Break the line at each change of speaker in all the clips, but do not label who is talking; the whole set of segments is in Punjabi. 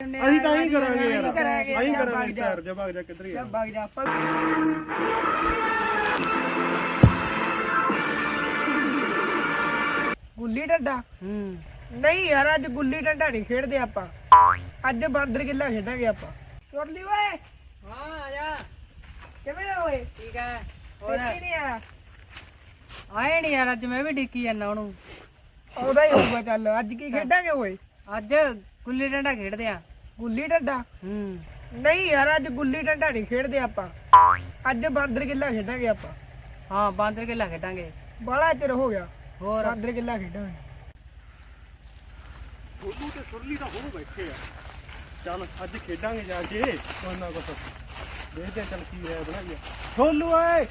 ਹੁੰਨੇ
ਅਸੀਂ ਤਾਂ ਹੀ ਕਰਾਂਗੇ ਯਾਰ,
ਕਰਾਂਗੇ
ਅਸੀਂ ਕਰਾਂਗੇ ਯਾਰ। ਜਾ ਭੱਗ ਜਾ ਕਿੱਧਰ ਯਾਰ,
ਭੱਗ ਜਾ ਆਪਾਂ ਗੁੱਲੀ ਡੰਡਾ। ਨਹੀਂ ਯਾਰ ਅੱਜ ਗੁੱਲੀ ਡੰਡਾ ਨਹੀਂ ਖੇਡਦੇ ਆਪਾਂ, ਅੱਜ ਬਾਂਦਰ ਕਿੱਲਾ ਖੇਡਾਂਗੇ ਆਪਾਂ। ਚੋਰਲੀ ਓਏ।
ਹਾਂ ਆ ਜਾ।
ਕਿਵੇਂ ਆ ਓਏ?
ਠੀਕ ਹੈ।
ਹੋਰ ਨਹੀਂ ਆ
ਆਏ ਨਹੀਂ ਯਾਰ, ਅੱਜ ਮੈਂ ਵੀ ਡਿੱਕੀ ਜਾਂਦਾ ਉਹਨੂੰ।
ਆਉਂਦਾ ਹੀ ਹੋਊਗਾ। ਚੱਲ ਅੱਜ ਕੀ ਖੇਡਾਂਗੇ ਓਏ?
ਅੱਜ ਗੁੱਲੀ ਡੰਡਾ ਖੇਡਦੇ ਆ।
ਗੁੱਲੀ ਡੰਡਾ? ਨਹੀਂ ਯਾਰ ਅੱਜ ਗੁੱਲੀ ਡੰਡਾ ਨਹੀਂ ਖੇਡਦੇ ਆਪਾਂ, ਅੱਜ ਬਾਂਦਰ ਕਿੱਲਾ ਖੇਡਾਂਗੇ ਆਪਾਂ।
ਹਾਂ ਬਾਂਦਰ ਕਿੱਲਾ ਖੇਡਾਂਗੇ।
ਬੜਾ ਚਿਰ ਹੋ ਗਿਆ
ਹੋਰ
ਬਾਂਦਰ ਕਿੱਲਾ ਖੇਡਾਂਗੇ।
ਠੋਲੂ ਤੇ ਸੁਰਲੀ ਤਾਂ ਹੁਣ ਬੈਠੇ ਆ। ਚੱਲ ਅੱਜ ਖੇਡਾਂਗੇ ਜਾ ਕੇ ਕੋਈ ਨਾ ਕੁਛ, ਦੇਖਦੇ ਚੱਲ ਕੀ ਹੈ ਬਣਾਈਏ। ਠੋਲੂ ਓਏ।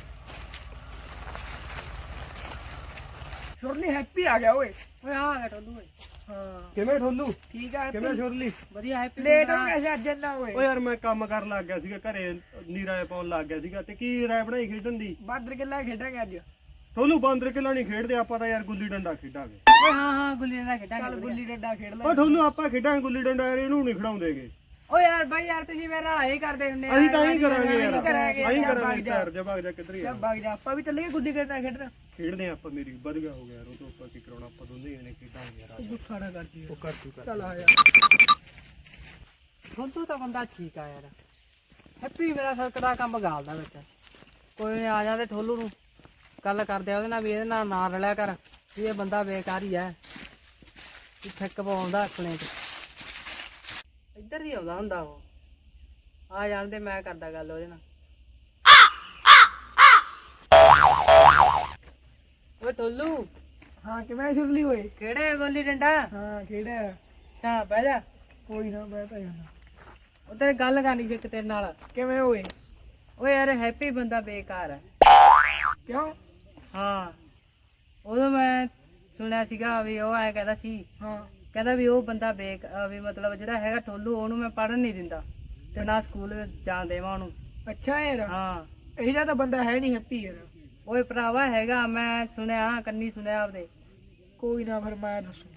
ਸੁਰਲੀ ਹੈਪੀ ਆ ਗਿਆ ਓਏ।
ਓਏ ਆ ਗਿਆ ਟੋਲੂ ਓਏ।
ਹਾਂ
ਕਿਵੇਂ ਠੋਲੂ?
ਠੀਕ ਆ
ਕਿਵੇਂ ਸੁਰਲੀ?
ਵਧੀਆ ਹੈਪੀ।
ਲੇਟ ਹੋ ਗਿਆ ਸੀ ਅੱਜ ਇੰਨਾ ਓਏ।
ਓ ਯਾਰ ਮੈਂ ਕੰਮ ਕਰਨ ਲੱਗ ਗਿਆ ਸੀਗਾ ਘਰੇ, ਨੀਰਾ ਪਾਉਣ ਲੱਗ ਗਿਆ ਸੀਗਾ। ਤੇ ਕੀ ਰਾਇ ਬਣਾਈ ਖੇਡਣ ਦੀ?
ਬਾਂਦਰ ਕਿੱਲਾ ਖੇਡਾਂਗੇ ਅੱਜ।
ਠੋਲੂ ਬਾਂਦਰ ਕਿੱਲਾ ਨਹੀਂ ਖੇਡਦੇ ਆਪਾਂ ਤਾਂ ਯਾਰ, ਗੁੱਲੀ ਡੰਡਾ ਖੇਡਾਂਗੇ।
ਓਏ ਹਾਂ ਹਾਂ ਗੁੱਲੀ ਡੰਡਾ ਖੇਡਾਂਗੇ।
ਚੱਲ ਗੁੱਲੀ ਡੰਡਾ ਖੇਡ ਲੈ।
ਓ ਠੋਲੂ ਆਪਾਂ ਖੇਡਾਂਗੇ ਗੁੱਲੀ ਡੰਡਾ ਯਾਰ, ਇਹਨੂੰ ਨਹੀਂ ਖਿਡਾਉਂਦੇਗੇ।
ਓ ਯਾਰ ਬਾਈ ਯਾਰ ਤੁਸੀਂ ਮੇਰੇ ਨਾਲ ਆਹੀ ਕਰਦੇ ਹੁੰਨੇ
ਅਸੀਂ ਤਾਂ ਹੀ ਕਰਾਂਗੇ ਯਾਰ,
ਅਸੀਂ ਕਰਾਂਗੇ
ਅਸੀਂ
ਯਾਰ,
ਕਰਾਂਗੇ
ਭੱਗ ਜਾ।
ਯਾਰ। ਜਾ ਭੱਗ ਜਾ ਕਿੱਧਰ ਯਾਰ,
ਭੱਗ ਜਾ ਆਪਾਂ ਵੀ ਚੱਲੀਏ ਗੁੱਲੀ ਡੰਡਾ ਖੇਡਣ।
ਖੇਡਦੇ ਆ ਆਪਾਂ। ਮੇਰੀ ਵਧੀਆ ਹੋ ਗਿਆ ਯਾਰ, ਉਹ ਤੋਂ ਆਪਾਂ ਕੀ ਕਰਾਉਣਾ, ਆਪਾਂ ਦੋਨੇ ਜਣੇ ਖੇਡਾਂਗੇ ਯਾਰ।
ਗੁੱਸਾ ਨਾ ਕਰਦੀ
ਉਹ ਕਰ ਤੂੰ ਕਰ।
ਚੱਲ ਆ ਜਾ।
ਠੋਲੂ ਤਾਂ ਬੰਦਾ ਠੀਕ ਆ ਯਾਰ। ਹੈਪੀ ਮੇਰਾ ਸਰਕਦਾ ਕੰਮ ਗਾਲਦਾ ਵਿੱਚ। ਕੋਈ ਨਹੀਂ ਆ ਜਾਂਦੇ ਠੋਲੂ ਨੂੰ ਗੱਲ ਕਰਦੇ ਆ ਉਹਦੇ ਨਾਲ ਵੀ ਇਹਦੇ ਨਾਲ ਨਾ ਰਲਿਆ ਕਰ, ਵੀ ਇਹ ਬੰਦਾ ਬੇਕਾਰ ਹੀ ਹੈ, ਵੀ ਠੱਕ ਪਾਉਂਦਾ ਆਪਣੇ ਚ। ਇੱਧਰ ਦੀ ਆਉਂਦਾ ਹੁੰਦਾ ਉਹ। ਆ ਜਾਣਦੇ ਮੈਂ ਕਰਦਾ ਗੱਲ ਉਹਦੇ ਨਾਲ। ਓਏ ਠੋਲੂ
ਹਾਂ ਕਿਵੇਂ ਸੁਰਲੀ ਓਏ?
ਕਿਹੜੇ ਗੋਲੀ ਡੰਡਾ?
ਹਾਂ ਖੇਡਿਆ।
ਚਾ ਬਹਿ ਜਾ।
ਕੋਈ ਨਾ ਬਹਿ ਤਾਂ ਜਾਣਾ।
ਉਧਰ ਗੱਲ ਕਰਨੀ ਸੀ ਇੱਕ ਤੇਰੇ ਨਾਲ।
ਕਿਵੇਂ ਓਏ?
ਓਏ ਯਾਰ ਹੈਪੀ ਬੰਦਾ ਬੇਕਾਰ ਹੈ।
ਕਿਉਂ?
ਹਾਂ ਉਦੋਂ ਮੈਂ ਸੁਣਿਆ ਸੀਗਾ ਵੀ ਉਹ ਐ ਕਹਿੰਦਾ ਸੀ,
ਹਾਂ
ਕਹਿੰਦਾ ਵੀ ਉਹ ਬੰਦਾ ਵੀ ਮਤਲਬ ਜਿਹੜਾ ਹੈਗਾ ਠੋਲੂ ਉਹਨੂੰ ਮੈਂ ਪੜ੍ਹਨ ਨਹੀਂ ਦਿੰਦਾ ਤੇ ਨਾ ਸਕੂਲ ਵਿੱਚ ਜਾਣ ਦੇਵਾਂ ਉਹਨੂੰ।
ਅੱਛਾ ਯਾਰ,
ਹਾਂ
ਇਹੋ ਜਿਹਾ ਤਾਂ ਬੰਦਾ ਹੈ ਨਹੀਂ ਹੈਪੀ ਯਾਰ।
ਓਏ ਭਰਾਵਾ ਹੈਗਾ, ਮੈਂ ਸੁਣਿਆ ਕੰਨੀ ਸੁਣਿਆ ਆਪਦੇ।
ਕੋਈ ਨਾ ਫਿਰ ਮੈਂ ਦੱਸੂ।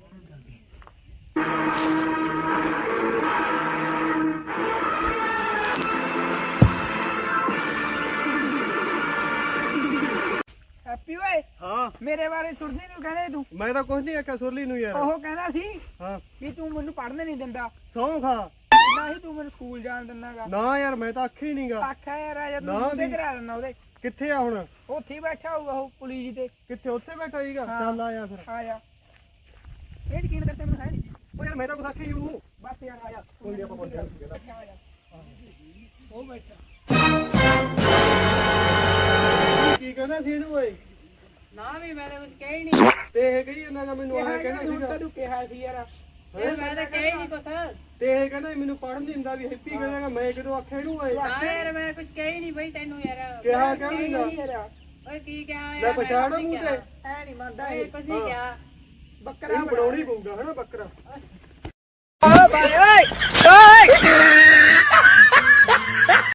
ਹੈਪੀ ਓਏ
ਹਾਂ
ਮੇਰੇ ਬਾਰੇ ਸੁਰਲੀ ਨੂੰ ਕਹਿੰਦੇ ਤੂੰ?
ਮੈਂ ਤਾਂ ਕੁਝ ਨਹੀਂ ਆਖਿਆ ਸੁਰਲੀ ਨੂੰ ਯਾਰ।
ਉਹ ਕਹਿੰਦਾ ਸੀ
ਹਾਂ
ਵੀ ਤੂੰ ਮੈਨੂੰ ਪੜ੍ਹਨ ਨਹੀਂ ਦਿੰਦਾ,
ਸੌਂ ਖਾ।
ਨਾ ਹੀ ਤੂੰ ਮੈਨੂੰ ਸਕੂਲ ਜਾਣ ਦਿੰਦਾਗਾ।
ਨਾ ਯਾਰ ਮੈਂ ਤਾਂ ਆਖੀ ਨਹੀਂਗਾ।
ਆਖਿਆ ਯਾਰ ਆ ਜਾ
ਨਾ
ਤੂੰ ਤੇ
ਵੀ।
ਕਰਾ ਦਿੰਦਾ ਉਹਦੇ।
ਕਿੱਥੇ ਆ ਹੁਣ?
ਉੱਥੇ ਹੀ ਬੈਠਾ ਹੋਊਗਾ ਉਹ ਪੁਲਿਸ ਤੇ।
ਕਿੱਥੇ? ਉੱਥੇ ਬੈਠਾ ਸੀਗਾ।
ਹਾਂ।
ਚੱਲ ਆਇਆ ਫਿਰ।
ਆ ਜਾ। ਇਹ ਯਕੀਨ ਕਰਤੇ ਮੈਨੂੰ ਹੈ ਨਹੀਂ।
ਓ ਯਾਰ ਮੈਂ ਤਾਂ ਕੁਝ ਆਖੀ ਹੀ ਹੂੰ।
ਬਸ ਯਾਰ ਆ ਜਾ।
ਕੋਈ ਨਹੀਂ ਆਪਾਂ ਬੋਲ ਜਾਂਦੇ।
ਆ ਜਾ। ਉਹ ਬੈਠਾ।
ਕੀ ਕਹਿੰਦਾ ਸੀ ਇਹਨੂੰ ਓਏ?
ਨਾ ਵੀ ਮੈਂ ਤਾਂ ਕੁਝ ਕਹਿ ਹੀ ਨਹੀਂ।
ਤੇ ਇਹ ਕਹੀ ਇਹਨਾਂ ਦਾ ਮੈਨੂੰ ਆਇਆ ਕਹਿੰਦਾ ਸੀਗਾ।
ਤੂੰ ਕਿਹਾ ਸੀ ਯਾਰ।
ਇਹ ਮੈਂ ਤਾਂ ਕਹਿ ਹੀ ਨਹੀਂ ਕੁਛ।
ਤੇ ਇਹ ਕਹਿੰਦਾ ਮੈਨੂੰ ਪੜ੍ਹਨ ਨਹੀਂ ਦਿੰਦਾ, ਵੀ ਹੈਪੀ ਕਹਿੰਦਾ ਮੈਂ ਕਿਦੋਂ ਆਖਿਆ ਇਹਨੂੰ ਓਏ?
ਨਾ ਯਾਰ ਮੈਂ ਕੁਝ ਕਹਿ ਹੀ ਨਹੀਂ ਬਈ ਤੈਨੂੰ ਯਾਰ।
ਕਿਹਾ ਕਿਉਂ ਨਹੀਂ ਗਾ?
ਓਏ ਕੀ ਕਿਹਾ
ਲੈ
ਯਾਰ?
ਪਛਾਣ ਮੂੰਹ ਤੇ।
ਐ ਨਹੀਂ ਮੰਨਦਾ
ਓਏ
ਇਹ।
ਕੁਝ ਨਹੀਂ ਕਿਹਾ।
ਬੱਕਰਾ
ਇਹਨੂੰ ਬਣਾਉਣੀ ਪਊਗਾ ਹਨਾ ਬੱਕਰਾ।
ਓਏ ਬਾਈ ਓਏ ਓਏ